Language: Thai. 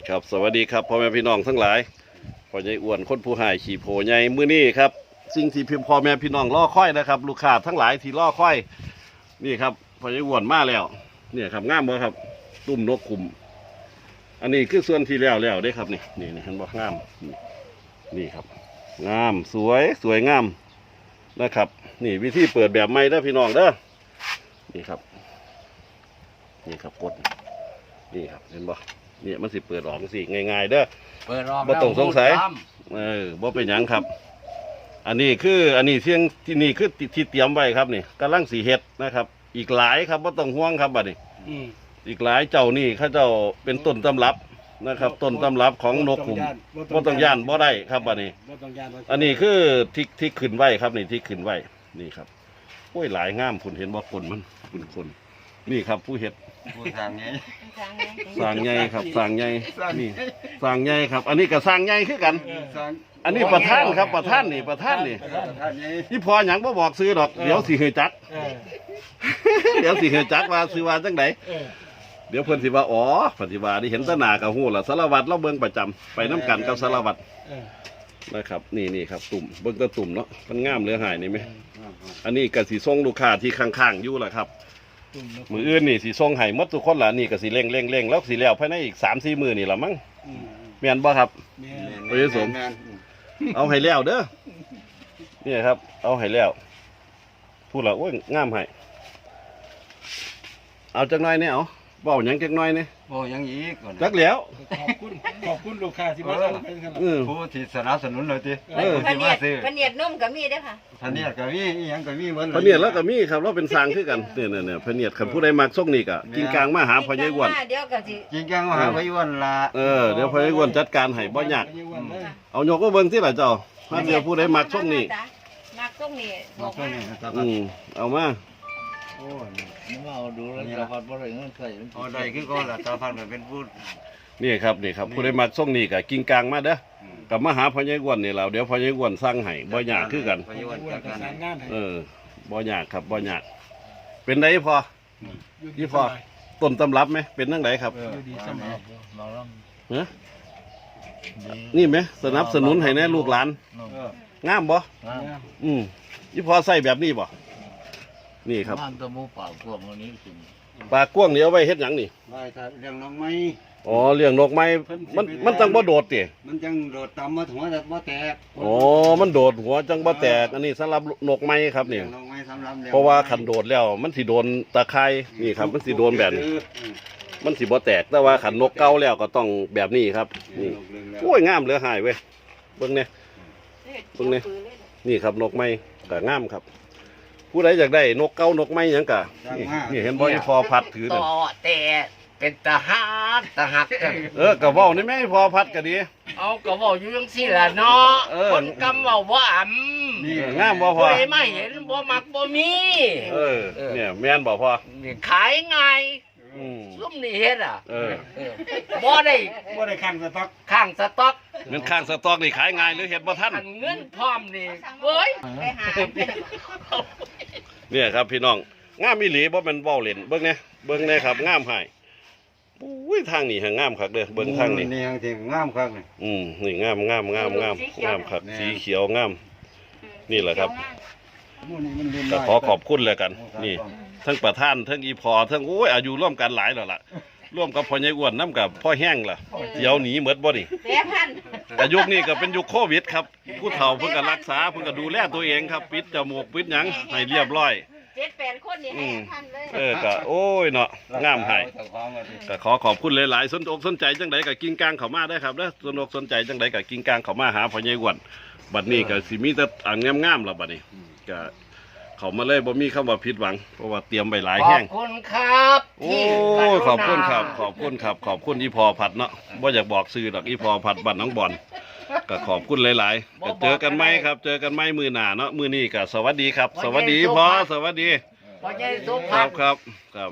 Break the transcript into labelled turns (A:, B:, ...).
A: ครับสวัสดีครับพ่อแม่พี่น้องทั้งหลายพ่อใหญ่อ้วนคนผู้หายขี่โพใหญ่มื้อนี้ครับสิ่งที่พิมพ์พ่อแม่พี่น้องรอคอยนะครับลูกค้าทั้งหลายที่รอคอยนี่ครับพ่อใหญ่อ้วนมาแล้วเนี่ยครับงามบ่ครับตุ้มนกขุมอันนี้คือส่วนที่แล้วได้ครับนี่เห็นบ่งามนี่ครับงามสวยงามนะครับนี่วิธีเปิดแบบใหม่เด้อพี่น้องเด้อนี่ครับกดนี่ครับเห็นบ่เนี่ยมันสิเปิดออกสิง่ายๆเด้อ
B: เปิดออก
A: บ่ต้องสงสัยบ่เป็นหยังครับอันนี้เที่ยงที่นี่คือที่เตรียมไว้ครับนี่กำลังสีเฮ็ดนะครับอีกหลายครับบ่ต้องห่วงครับบัดนี้อีกหลายเจ้านี่เขาเจ้าเป็นต้นตำรับนะครับต้นตำรับของนกขุมบ่ต้องย่านบ่ได้ครับบัดนี้อันนี้คือที่ขึ้นไว้ครับนี่ที่ขึ้นไว้นี่ครับโอ้ยหลายงามคุณเห็นบ่คนมันคนนี่ครับผู้เฮ็ด
B: ผู้ทางไง
A: สร้างใหญ่ครับสร้างใหญ่นี่สร้างใหญ่ครับอันนี้ก็สร้างใหญ่คือกันอันนี้ประธานครับประธานนี่นี่พอหยังบ่บอกซื้อดอกเดี๋ยวสิเฮจักเดี๋ยวสิเฮจักว่าซื้อว่าจังไดเดี๋ยวเพิ่นสิว่าอ๋อเพิ่นสิว่าได้เห็นตะหน้าก็ฮู้ล่ะสารวัตรเราเบิ่งประจำไปน้ำกันกับสารวัตรนะครับนี่ครับตุ่มเบิ่งตะตุ่มเนาะมันงามเหลือหายนี่ไหมอันนี้ก็สิส่งลูกค้าที่ข้างๆอยู่ล่ะครับมืออื่นนี่สิส่งให้หมดทุกคนล่ะนี่ก็สิเร่งแล้วสิแล้วภายในอีก 3-4 มื้อนี่ล่ะมั้งแม่นบ่ครับบ่ได้สมเอาให้แล้วเด้อนี่ครับเอาให้แล้วพูดแล้วโอ้ยงามให้เอาจักหน่อยเนี่ยเอาเว้าหยังจักหน่อยเนี่ย
B: บ่ยังอีก
A: จักแล้ว
C: ขอบคุณลูกค้าที่มา
B: ผู้ที่สนับสนุนเลยที
D: ที่มาซื้อพะเนียดนุ่มก็มีเด้อค่ะ
B: พะเนียดก็มีอีหยังก็มีเหมือน
A: พะเนียดแล้วก็มีครับเราเป็นสร้างคือกันเนี่ยพะเนียดคันผู้ใดมักส่งนี่ก็กินกลางมาหาพ่อใหญ่อ้วน
D: เดี๋ยวก็สิ
B: กินกลางมาหาพ่อใหญ่อ้วนล่ะ
A: เดี๋ยวพ่อใหญ่อ้วนจัดการให้บ่ยากเอายกก็เบิ่งที่ล่ะเจ้าถ้าเดี๋ยวผู้ใดมักส่งนี่
D: มักส่งนี่บอกมา
A: เอามา
C: โอ้ยมาเอาดูแล้วจะพัดบ่ได้เงินใส่
B: เอาได้คือก่อนล่ะตาพันเป็นผู้
A: นี่ครับผู้ใดมักส่งนี่ก็กินกลางมาเด้อกับมาหาพ่อใหญ่อ้วนนี่เราเดี๋ยวพ่อใหญ่อ้วนสั่งให้บ่ยากคือกันบ่ยากครับบ่ยากเป็นไดพอที่พอต้นตำรับไหมเป็นจังไดครับนี่ไหมสนับสนุนให้แน่ลูกหลานงามบ่ยี่พอใส่แบบนี้บ่นี่ครับ
C: ตะมูปากกวางวันนี้
A: ปากกว้างเดี๋ยวไว้เฮ็ดหยังนี่
B: ไว้ถ้าเลี้ยงนกไม้
A: อ๋อเลี้ยงนกไม้มันจังบ่โดดติ
B: มันจังโดดต่ำมาหัวบ่แตก
A: อ๋อมันโดดหัวจังบ่แตกอันนี้สำหรับนกไม้ครับนี่เพราะว่าคันโดดแล้วมันสิโดนตะไคร้นี่ครับมันสิโดนแบบนี้มันสิบ่แตกแต่ว่าคันนกเก่าแล้วก็ต้องแบบนี้ครับนี่โอ้ยงามเหลือหายเว้ยเบิ่งเนี่ยนี่ครับนกไม้ก็งามครับผู้ใดอยากได้นกเก้านกไม้ยังกะนี่เห็นบ่ที่พอพัดถือ
D: ต่อแต่เป็นตาหัก
A: กะเว้านี่แม่พอพัดก็ดี
D: เอากะเว้าอยู่จังซี่ล่ะเนาะคนกำเว้าบ่อ่ำ
A: นี่งามบ่พอ
D: ผู้ใดมาเห็นบ่มักบ่มี
A: เนี่ยแม่นบ่พอ
D: นี่ขายง่ายซุ่มนี่เฮ็ดบ่ได้
C: ข้างสต๊อก
A: เงินข้างสต๊อกนี่ขายง่ายหรือเฮ็ดบ่ทัน
D: เงินพร้อมนี่เว้ยไปหา
A: เนี่ยครับพี่น้องงามอีหลีบ่แม่นเว้าเล่นเบิ่งเนี่ยครับงามหายอุ้ยทางนี้หางงามคักเด้อเบิ่งทางนี้
B: นี่ที่งามคัก
A: นี่งามคักสีเขียวงามนี่แหละครับก็ขอบคุณเลยกันนี่ทั้งประธานทั้งอีพอทั้งโอ้ยอายุร่วมกันหลายแล้วล่ะร่วมกับพ่อใหญ่อ้วนน้ำกับพ่อแห้งล่ะเดี๋ยวหนีหมดบ่นี่แต่ยุคนี้ก็เป็นยุคโควิดครับผู้เฒ่าเพิ่งก็รักษาเพิ่งก็ดูแลตัวเองครับปิดจมูกปิดหยังให้เรียบร้อย
D: 7-8 คนนี่ให้ท่านเลย
A: ก็โอ้ยเนาะงามให้ก็ขอบคุณหลายๆสนใจจังไดก็กิ้งกลางเข้ามาได้ครับเด้อสนใจจังไดก็กิ้งกลางเข้ามาหาพ่อใหญ่อ้วนบัดนี้ก็สิมีแต่งามๆแล้วบัดนี้ก็เขามาเลยบ่มีคำว่าผิดหวังเพราะว่าเตรียมไว้หลายแห้ง
D: ขอบคุณครับ
A: โอ้ยขอบคุณอีพอผัดเนาะบ่อยากบอกซื้อดอกอีพอผัดบ้านน้องบอลก็ขอบคุณหลายๆก็เจอกันไหมครับเจอกันไหมมือหน้าเนาะมือนี้ก็สวัสดีครับสวัสดีพ่อสวัสดี
D: พ่อใหญ่สุภาพ
A: ครับ